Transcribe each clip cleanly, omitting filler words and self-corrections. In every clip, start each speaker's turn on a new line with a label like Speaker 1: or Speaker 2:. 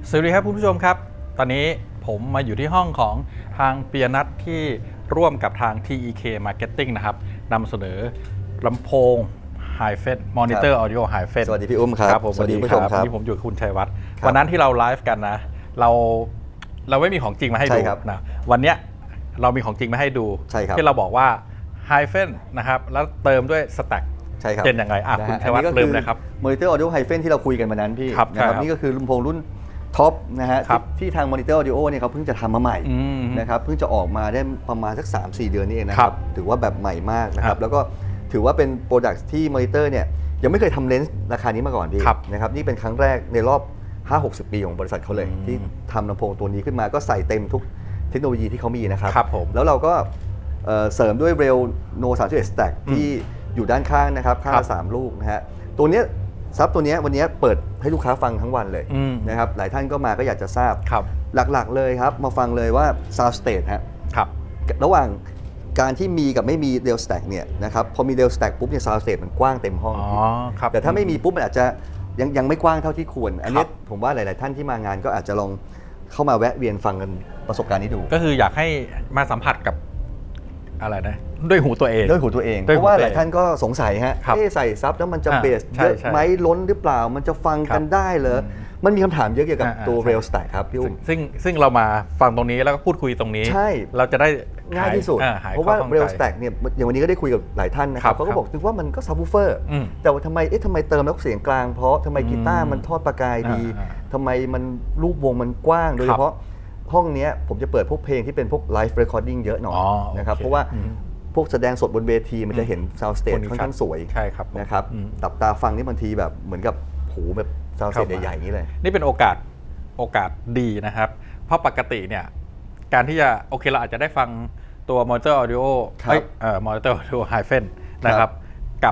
Speaker 1: สวัสดีครับคุณผู้ชมครับตอนนี้ผมมาอยู่ที่ห้องของทางเปียนัทที่ร่วมกับทาง TEK Marketing นะครับนำเสนอลำโพง Hi-Fi Monitor Audio Hi-Fi
Speaker 2: สวัสดีพี่อุ้มครับ
Speaker 1: ผม
Speaker 2: สวัสดีผู้ชมครับ
Speaker 1: นี่ผมอยู่กับคุณชัยวัฒน์วันนั้นที่เราไลฟ์กันนะเราไม่มีของจริงมาให้ดูนะวันนี้เรามีของจริงมาให้ดูที่เราบอกว่า Hi-Fi นะครับแล้วเติมด้วย Stack
Speaker 2: ใช่ครับ
Speaker 1: เป็นยังไงคุณชัยวัฒน์เริ่มเลยครับ
Speaker 2: Monitor Audio Hi-Fi ที่เราคุยกันมานั้นพี่นะครับนี่ก็คือลำโพงรุ่นท็อปนะฮะที่ทาง Monitor Audio เนี่ยเขาเพิ่งจะทำมาใหม่นะครับเพิ่งจะออกมาได้ประมาณสัก 3-4 เดือนนี่เองนะครับถือว่าแบบใหม่มากนะครับแล้วก็ถือว่าเป็นโปรดักต์ที่ Monitor เนี่ยยังไม่เคยทำเลนส์ราคานี้มาก่อนพี่นะครับนี่เป็นครั้งแรกในรอบ 5-60 ปีของบริษัทเขาเลยที่ทำลำโพงตัวนี้ขึ้นมาก็ใส่เต็มทุกเทคโนโลยีที่เขามีนะครับแล้วเราก็เสริมด้วย Rail No 31 Stack ที่อยู่ด้านข้างนะครับข้างละ3ลูกนะฮะตัวนี้ซับตัวนี้วันนี้เปิดให้ลูกค้าฟังทั้งวันเลยนะครับหลายท่านก็มาก็อยากจะทราบหลักๆเลยครับมาฟังเลยว่า Sound Stage ฮะระหว่างการที่มีกับไม่มี Rail Stack เนี่ยนะครับพอมี Rail Stack ปุ๊บเนี่ย Sound Stage มันกว้างเต็มห้องแต่ถ้าไม่มีปุ๊บมันอาจจะยังไม่กว้างเท่าที่ควรอันนี้ผมว่าหลายๆท่านที่มางานก็อาจจะลองเข้ามาแวะเวียนฟังกันประสบการณ์นี้ดู
Speaker 1: ก็คืออยากให้มาสัมผัสกับอะไรนะด้วยหูตัวเอง
Speaker 2: เพราะว่าหลายท่านก็สงสัยฮะใส่ซับแล้วมันจะเบสเยอะไหมล้นหรือเปล่ามันจะฟังกันได้เหรอมันมีคำถามเยอะเกี่ยวกับตัว Rail Stack ครับพี่อุ้ม
Speaker 1: ซึ่งเรามาฟังตรงนี้แล้วก็พูดคุยตรงนี้เราจะได้
Speaker 2: ง่ายที่สุดเพราะว่า Rail Stack เนี่ยอย่างวันนี้ก็ได้คุยกับหลายท่านนะครับเขาก็บอกถึงว่ามันก็ซับวูฟเฟอร์แต่ว่าทำไมเติมแล้วเสียงกลางเพราะทำไมกีตาร์มันทอดประกายดีทำไมมันรูปวงมันกว้างโดยเฉพาะห้องนี้ผมจะเปิดพวกเพลงที่เป็นพวกไลฟ์เรคคอร์ดิ้งเยอะหน่อยนะครับเพราะว่าพวกแสดงสดบนเวทีมันจะเห็นซาวด์สเตจค่อนข้างสวยนะครับตับตาฟังนี่บางทีแบบเหมือนกับหูแบบซาวด์สเตจใหญ่ๆอย่างนี้เลย
Speaker 1: นี่เป็นโอกาสดีนะครับเพราะปกติเนี่ยการที่จะโอเคเราอาจจะได้ฟังตัว Monitor Audio Monitor Audio Hi-Fi นะครับกับ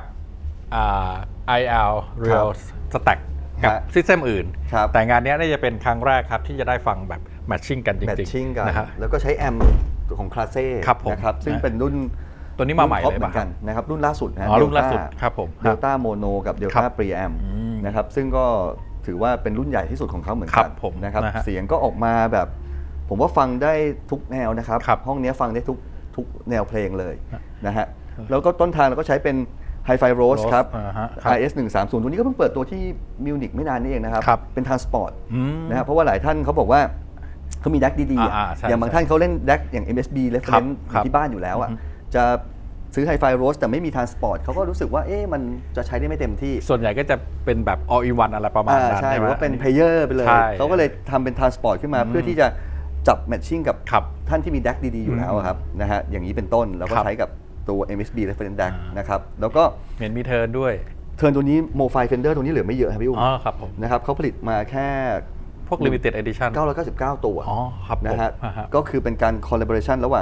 Speaker 1: IL Real Stack กับซิสเต็มอื่นแต่งานนี้น่าจะเป็นครั้งแรกครับที่จะได้ฟังแบบแมทชิ่งกันจริง
Speaker 2: ๆนะครับแล้วก็ใช้แอมของคลาเซ่นะครับซึ่งเป็นรุ่น
Speaker 1: ตัวนี้มาใหม่เลย
Speaker 2: เหมือนกันนะครับรุ่นล่าสุดนะ
Speaker 1: รุ่นล่าสุดครับผม
Speaker 2: Delta Mono กับ Delta Preamp นะครับซึ่งก็ถือว่าเป็นรุ่นใหญ่ที่สุดของเขาเหมือนกันนะครับเสียงก็ออกมาแบบผมว่าฟังได้ทุกแนวนะครับห้องนี้ฟังได้ทุกแนวเพลงเลยนะฮะแล้วก็ต้นทางเราก็ใช้เป็น Hi-Fi Rose ครับ RS 130ตัวนี้ก็เพิ่งเปิดตัวที่มิวนิกไม่นานนี้เองนะครับเป็น Transport นะครับเพราะว่าหลายท่านเขาบอกว่าเขามีแดกดีๆอย่างบางท่านเขาเล่นแดกอย่าง MSB Reference ที่บ้านอยู่แล้วอ่ะจะซื้อ Hi-Fi Rose แต่ไม่มี Transport เขาก็รู้สึกว่ามันจะใช้ได้ไม่เต็มที่
Speaker 1: ส่วนใหญ่ก็จะเป็นแบบ all in one อะไรประมาณนั้น
Speaker 2: ใช่หรือว่าเป็น Player ไปเลยเขาก็เลยทำเป็น Transport ขึ้นมาเพื่อที่จะจับ matching กับท่านที่มีแดกดีๆอยู่แล้วครับนะฮะอย่างนี้เป็นต้นแล้วก็ใช้กับตัว MSB Reference DAC นะครับแล้วก็
Speaker 1: เห็นมีเทิร์นด้วย
Speaker 2: เทิร์นตัวนี้ Mo-Fi Fender ตัวนี้เหลือไม่เยอะครับพี่อุ้ม
Speaker 1: ครับผม
Speaker 2: นะครับเขาผลิตมาแค่
Speaker 1: พวก limited edition
Speaker 2: 999 ตัว
Speaker 1: ครับ
Speaker 2: นะฮะก็คือเป็นการ collaboration ระหว่าง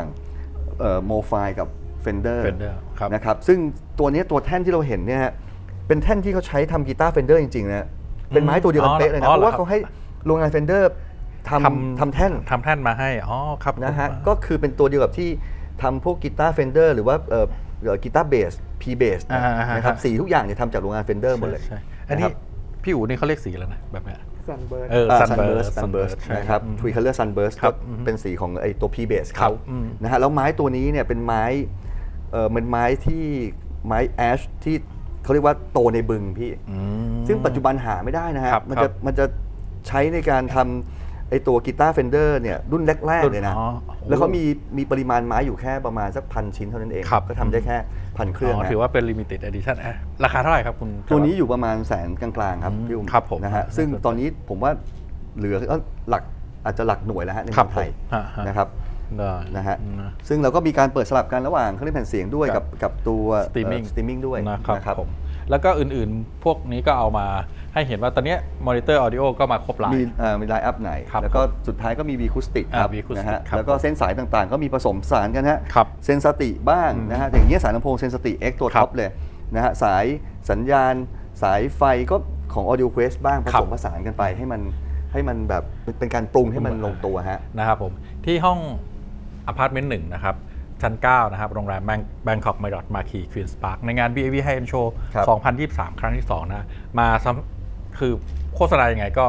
Speaker 2: Mo-Fi กับ Fender นะครับซึ่งตัวนี้ตัวแท่นที่เราเห็นเนี่ยเป็นแท่นที่เขาใช้ทำกีตาร์ Fender จริงๆนะเป็นไม้ตัวเดียวกันเป๊ะเลยนะเพราะว่าเขาให้โรงงาน Fender ทำแท่น
Speaker 1: มาให้ครับ
Speaker 2: นะฮะก็คือเป็นตัวเดียวกับที่ทำพวกกีตาร์ Fender หรือว่ากีตาร์เบส P bass นะครับสีทุกอย่างเนี่ยทำจากโรงงาน Fender หมดเลย
Speaker 1: อันนี้พี่อู๋นี่เขาเรียกสีแล้วนะแบบนี้
Speaker 2: Sunburst นะครับ Tree Color Sunburst ก็เป็นสีของไอตัว P bass เขานะฮะแล้วไม้ตัวนี้เนี่ยเป็นไม้เป็นไม้ที่ไม้แอชที่เขาเรียกว่าโตในบึงพี่ซึ่งปัจจุบันหาไม่ได้นะฮะมันจะใช้ในการทำไอตัวกีตาร์ Fender เนี่ยรุ่นแรกๆเลยนะแล้วเขามีปริมาณไม้อยู่แค่ประมาณสัก1,000 ชิ้นเท่านั้นเองก็ทำได้แค่1,000 เครื่อง
Speaker 1: ถือว่าเป็น limited edition ราคาเท่าไหร่ครับคุณ
Speaker 2: ตัวนี้อยู่ประมาณ100,000กลางๆครับพี่อุ้มนะฮะซึ่งตอนนี้ผมว่าเหลืออาจจะหลักหน่วยแล้วฮะในเมืองไทยนะครับนะฮะซึ่งเราก็มีการเปิดสลับกันระหว่างเครื่องเล่นแผ่นเสียงด้วยกับตัว streaming ด้วย
Speaker 1: นะครับผมแล้วก็อื่นๆพวกนี้ก็เอามาให้เห็นว่าตอนนี้ Monitor Audio ก็มาครบไลน์
Speaker 2: มีไลน์อัพไหนแล้วก็สุดท้ายก็มี Acoustic ครับนะฮะแล้วก็เส้นสายต่างๆก็มีผสมสารกันฮะเซนสติบ้างนะฮะอย่างเงี้ยสายลำโพงเซนสติ X ตัวท็อปเลยนะฮะสายสัญญาณสายไฟก็ของ Audio Quest บ้างผสมผสานกันไปให้มันแบบเป็นการปรุงให้มันลงตัวฮะ
Speaker 1: นะครับผมที่ห้องอพาร์ตเมนต์1นะครับชั้น 9 นะครับโรงแรม Bangkok Marriott Marquis Queen's Park ในงาน BAV High End Show 2023 ครั้งที่ 2 นะมาคือโฆษณายังไงก็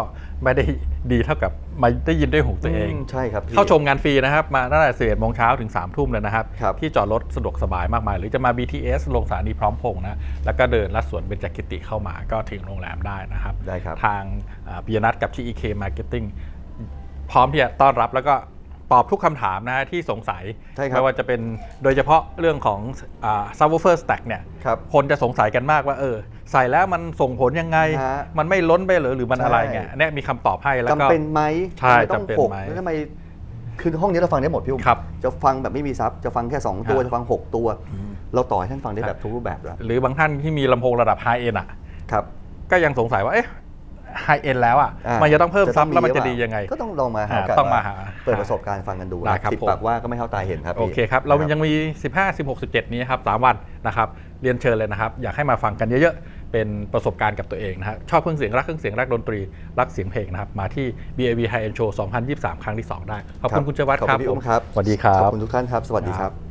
Speaker 1: ไม่ได้ดีเท่ากับมาได้ยินด้วยหูตัวเอง
Speaker 2: ใช่ครับพี่
Speaker 1: เข้าชมงานฟรีนะครับมาตั้งแต่11 โมงเช้าถึง 3 ทุ่มเลยนะครับ
Speaker 2: ครับ
Speaker 1: ที่จอดรถสะดวกสบายมากมาย หรือจะมา BTS ลงสถานีพร้อมพงษ์นะแล้วก็เดินลัดสวนเบญจกิติเข้ามาก็ถึงโรงแรมได้นะครับ
Speaker 2: ได้ครับ
Speaker 1: ทางปิยนัทกับ TEK Marketing พร้อมที่จะต้อนรับแล้วก็ตอบทุกคำถามนะฮะที่สงสัย
Speaker 2: ใช่ครับ
Speaker 1: ไม่ว่าจะเป็นโดยเฉพาะเรื่องของsubwoofer stack เนี่ย
Speaker 2: ครับ
Speaker 1: คนจะสงสัยกันมากว่าใส่แล้วมันส่งผลยังไง
Speaker 2: ฮะ
Speaker 1: มันไม่ล้นไปหรือมันอะไรเงี้ย
Speaker 2: ใช่
Speaker 1: อันเนี่ยมีคำตอบให้แล้วก็
Speaker 2: จำเป็นไหม
Speaker 1: ใช่
Speaker 2: ทำไมต้อง
Speaker 1: จำเป็น
Speaker 2: หก
Speaker 1: ไหม
Speaker 2: แล้วทำไมคือห้องนี้เราฟังได้หมดพี่อุ้ม
Speaker 1: ครับ
Speaker 2: จะฟังแบบไม่มีซับจะฟังแค่ 2 ตัว
Speaker 1: ฮะ
Speaker 2: จะฟัง 6 ตัว เราต่อให้ท่านฟังได้แบบทุกรูปแบบแล้ว
Speaker 1: หรือบางท่านที่มีลำโพงระดับ High End อ่ะ
Speaker 2: ครับ
Speaker 1: ก็ยังสงสัยว่าHigh End แล้วอ่ะ
Speaker 2: อ่า
Speaker 1: มันจะต้องเพิ่ม
Speaker 2: จะต้
Speaker 1: ซั
Speaker 2: อบ งมี
Speaker 1: แล้วมันจะ
Speaker 2: หรือ
Speaker 1: ดี
Speaker 2: เปล่า
Speaker 1: ยังไง
Speaker 2: ก็ต้องลองมาหา
Speaker 1: ต้องมาหา
Speaker 2: เปิดประสบการณ์ฟังกันดู
Speaker 1: ได้ครับ
Speaker 2: สิบ
Speaker 1: ผม
Speaker 2: ปากว่าก็ไม่เท่าตาเห็นครับ
Speaker 1: โอ
Speaker 2: พี่
Speaker 1: เคครับ เรา
Speaker 2: นะ
Speaker 1: ยังมี 15 16 17 นี้ครับ 3 วันนะครับ เรียนเชิญเลยนะครับ อยากให้มาฟังกันเยอะๆ เป็นประสบการณ์กับตัวเองนะฮะชอบเครื่องเสียงรักเครื่องเสียงรักดนตรีรักเสียงเพลงนะครับ มาที่ BAV High End Show 2023 ครั้งที่ 2 ได้ ขอบคุณคุณเจวัฒน์
Speaker 2: ขอบ
Speaker 1: ค
Speaker 2: คุ
Speaker 1: รับ
Speaker 2: ณพี่อุ้มครับ
Speaker 1: สวัสดีครับ
Speaker 2: ขอบคุณทุกท่านครับ สวัสดีครับ